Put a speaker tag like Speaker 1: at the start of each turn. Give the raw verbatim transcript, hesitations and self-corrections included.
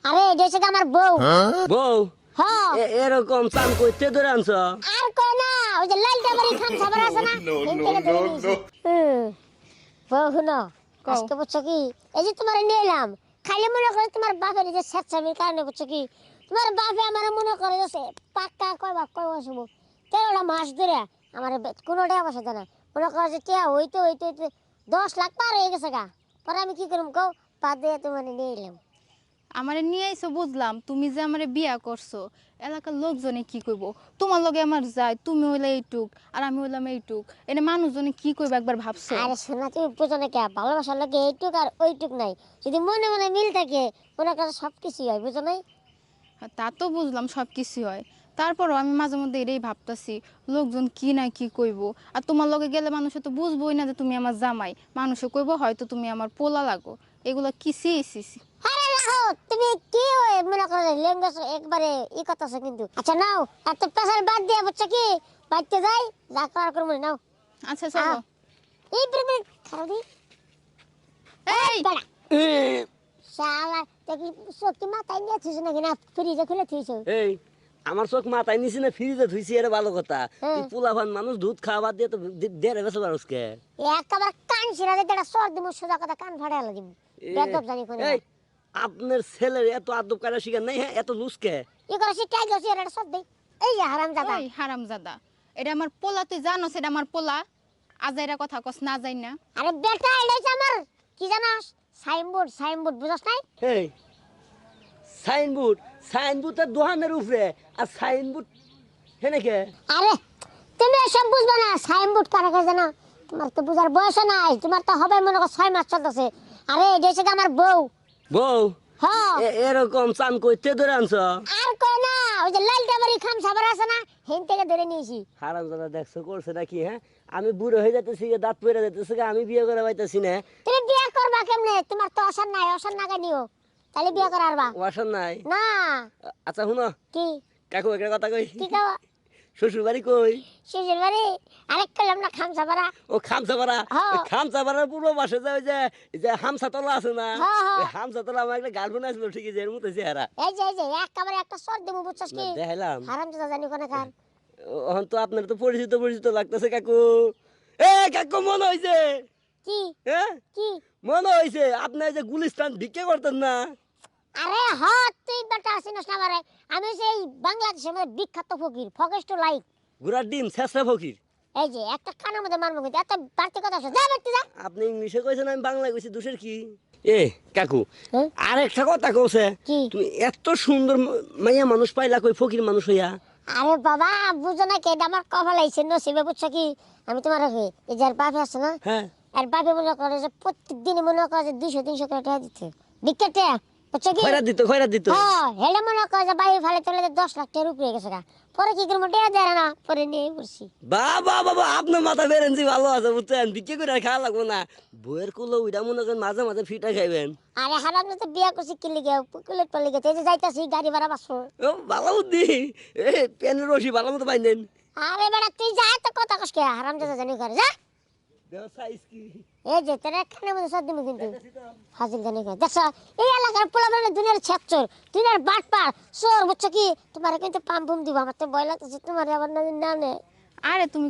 Speaker 1: আরে জেসে আমার বউ।
Speaker 2: বউ
Speaker 1: হ্যাঁ
Speaker 2: এ- এরকম চান করতে ধরে আনছ?
Speaker 1: আর কই না ওই যে লাল ডাবরি খান সাবার আছে না হিন থেকে ধরে নিয়েছি। হুম বউ হুনো
Speaker 3: কও।
Speaker 1: আজকে বুঝছো কি এই যে তোমার নিয়ে এলাম খাইলে মনে করে তোমার বাপের এই যে স্বেচ্ছামির কারণে বুঝছো কি তোমার বাপে আমার মনে করে যে পাক্কা কয় বাপ কয় বসবো তেরোটা মাস ধরে আমার কোনো টাকা পয়সা দেয় না মনে করে যে টিয়া হইতে হইতে হইতে দশ লাখ পার হয়ে গেছে গা পরে আমি কি করুম কও বাদ দিয়ে তোমার নিয়ে এলাম।
Speaker 3: আমারে নিয়ে আইছো বুঝলাম, তুমি যে আমারে বিয়া করছো এলাকার লোকজনে কি কইব? তোমার লগে আমার যায়, তুমি হইলে এইটুক আর আমি হইলাম এইটুক, এনে মানুষজনে কি কইব একবার ভাবছো?
Speaker 1: আরে শোনা তুমি বুঝো না কে ভালোবাসার লোকে এইটুক আর ওইটুক নাই যদি মনে মনে মিল থাকে মনে করে সব কিছুই হয় বুঝো নাই।
Speaker 3: হ্যাঁ, তা তো বুঝলাম সব কিছু হয়, তারপরও আমি মাঝে মধ্যে এটাই ভাবতাছি লোকজন কি না কি কইব। আর তোমার লগে গেলে মানুষে তো বুঝবোই না যে তুমি আমার জামাই, মানুষে কইব হয়তো তুমি আমার পোলা লাগো। এগুলো কি সি সি সি।
Speaker 1: আরে রাখো তুমি কি হয় মনে করো ল্যাঙ্গুয়েজ একবারে ই কথাছে কিন্তু আচ্ছা নাও এত পেশার বাদ দিয়ে বুঝছো কি বাইতে যাই যা করার করবো নাও।
Speaker 3: আচ্ছা চলো।
Speaker 1: এই প্রেমে খারাপ দি
Speaker 3: এই
Speaker 1: বেড়া
Speaker 2: এ,
Speaker 1: শালা দেখি সত্যি মাথায় নিয়ে থুইছো নাকি না ফ্রিজে খুলে থুইছো।
Speaker 2: এই আমার চোখ মাথায় নিছি না ফ্রিজে ধুইছি, এটা ভালো কথা।
Speaker 1: হ্যাঁ।
Speaker 2: তুই পোলাপান মানুষ দুধ খাওয়া দিয়ে তো দে- দেড়ে বেসে পারসকে।
Speaker 1: একেবারে কান ছিড়া যেতে একটা সর দিব সোজা কথা কান ফাড়ে আলো দিব বেদব জানি কোনে
Speaker 2: এই আপনার ছেলের এত আদব কারা শিখার নাই, হ্যাঁ এত লুসকে?
Speaker 1: ই করে সে টাই গেছে এটা সর দেই এই যে হারাম দাদা
Speaker 3: ওই হারামজাদা, এটা আমার পোলা, তুই জানো সেটা আমার পোলা। আজাইরা কথা কস না যাই না।
Speaker 1: আরে বেটা এটা হচ্ছে আমার কি জানাস সাইনবোর্ড সাইনবোর্ড বুঝছ নাই।
Speaker 2: এই সাইনবোর্ড সাইনবোর্ড তার দোকানের উপরে, আর সাইনবোর্ড হেনেকে
Speaker 1: আরে তুমি এসব বুঝবে না সাইনবোর্ড কারা কাছে জানো তোমার তো বুঝার বয়স নাই তোমার তো হবে মনে করো ছয় মাস চলতেছে। আরে এটা হচ্ছে আমার বউ।
Speaker 2: বউ
Speaker 1: হ্যাঁ
Speaker 2: এ- এরকম চান করতে ধরে আনছ?
Speaker 1: আর কই না ওই যে লাল ডাবরি খান সাবার আছে না হিন থেকে ধরে নিয়েছি।
Speaker 2: হারাম দাদা দেখছো করছে নাকি? হ্যাঁ আমি বুড়ো হয়ে যাইতেছি গে, দাঁত পড়ে যাইতেছে গে, আমি বিয়ে করে পাইতেছি না।
Speaker 1: তুমি বিয়ে করবা কেমনে তোমার তো অসার নাই অসার নাগা নিও তাহলে বিয়ে করার বা
Speaker 2: ওয়াসার নাই?
Speaker 1: না
Speaker 2: আচ্ছা শুনো
Speaker 1: কি
Speaker 2: কাকু একটা কথা কই,
Speaker 1: কি খাওয়া
Speaker 2: শ্বশুর বাড়ি কই?
Speaker 1: শ্বশুর বাড়ি আরেক করলাম না খান সাবারা।
Speaker 2: ও খামসাপাড়া।
Speaker 1: হ্যাঁ।
Speaker 2: খামসাপাড়ার পূর্ব পাশে যে ওই যে এই যে হামসাতলা আছে না,
Speaker 1: হ্যাঁ, হ্যাঁ।
Speaker 2: ওই হামসাতলা আমার একটা গার্লফ্রেন্ড আসলো ঠিকই, যে এর মতো চেহারা।
Speaker 1: এই যে এই যে একেবারে একটা সর দিব বুঝছস
Speaker 2: না,
Speaker 1: কি
Speaker 2: দেখাইলাম।
Speaker 1: হারাম দাদা জানি কোনে খান।
Speaker 2: এখন তো আপনার তো পরিচিত পরিচিত লাগতেছে কাকু। এ কাকু মনে হইছে,
Speaker 1: কি
Speaker 2: হ্যাঁ
Speaker 1: কি
Speaker 2: মনে হইছে আপনি ওই যে গুলিস্তান ভিক্ষে করতেন না?
Speaker 1: আরে হ্যাঁ তুই বেটা আসিনস না মারে আমি সেই বাংলাদেশের মধ্যে বিখ্যাত ফকির ফকেস্ট লাইক
Speaker 2: ঘোড়ার ডিম শেষরা ফকির।
Speaker 1: এই যে একটা কানের মধ্যে মারবো কিন্তু এত বাড়তি কথা আছে যা ব্যক্তি যা।
Speaker 2: আপনি ইংলিশে কইছেন, আমি বাংলায় কইছি, দোষের কি? এ কাকু
Speaker 1: হ্যাঁ?
Speaker 2: আরেকটা কথা কইছে,
Speaker 1: কি?
Speaker 2: তুমি এত সুন্দর ম- মাইয়া মানুষ পাইলা কই ফকির মানুষ হইয়া?
Speaker 1: আরে বাবা বুঝো না কে এটা আমার কপাল আইছে নসিবে বুঝছো কি আমি তোমার রাখি এই যে আর বাপে আছে না
Speaker 2: হ্যাঁ
Speaker 1: আর বাপে মনে করে যে প্রত্যেক দিন মনে করে যে দুইশো তিনশো করে টাকা দিতে বিকেটে বুঝছো কি
Speaker 2: খয়রা দিত খয়রা দিত।
Speaker 1: হ্যাঁ হেলে মনে করে যে বাইরে ফেলে চলে যে দশ লাখ টাকার উপরে গেছে গা পরে কি করবো টাকা দেয় না পরে নিয়ে পড়ছি।
Speaker 2: বাবা বাবা আপনার মাথা বেরেন্সি ভালো আছে বুঝছেন, বিক্রি করে আর খাওয়া লাগবো না। বইয়ের কুলো ওইটা মনে করেন মাঝে মাঝে ফিটা খাইবেন।
Speaker 1: আরে হারাম তো বিয়া করছি কি লিগে কুলেট পর লিগে এই যে যাইতাছি গাড়ি ভাড়া পাঁচশো।
Speaker 2: ও ভালো বুদ্ধি, এ পেনের রশি ভালো মতো পাইলেন।
Speaker 1: আরে বেটা তুই যা তো কথা কস কে হারাম দাদা জানি করে যা
Speaker 2: সাইজ কি?
Speaker 1: এই যে তোর একখানে মধ্যে সব দিমু কিন্তু হাজির জানি করে দেখছ এই এলাকার পোলা মানে দুনিয়ার ছেকচোর দুনিয়ার বাটপার চোর বুঝছো কি তোমার কিন্তু পাম পুম দিব আমার তো ভয় লাগতেছে তোমার আবার না না
Speaker 3: আরে তুমি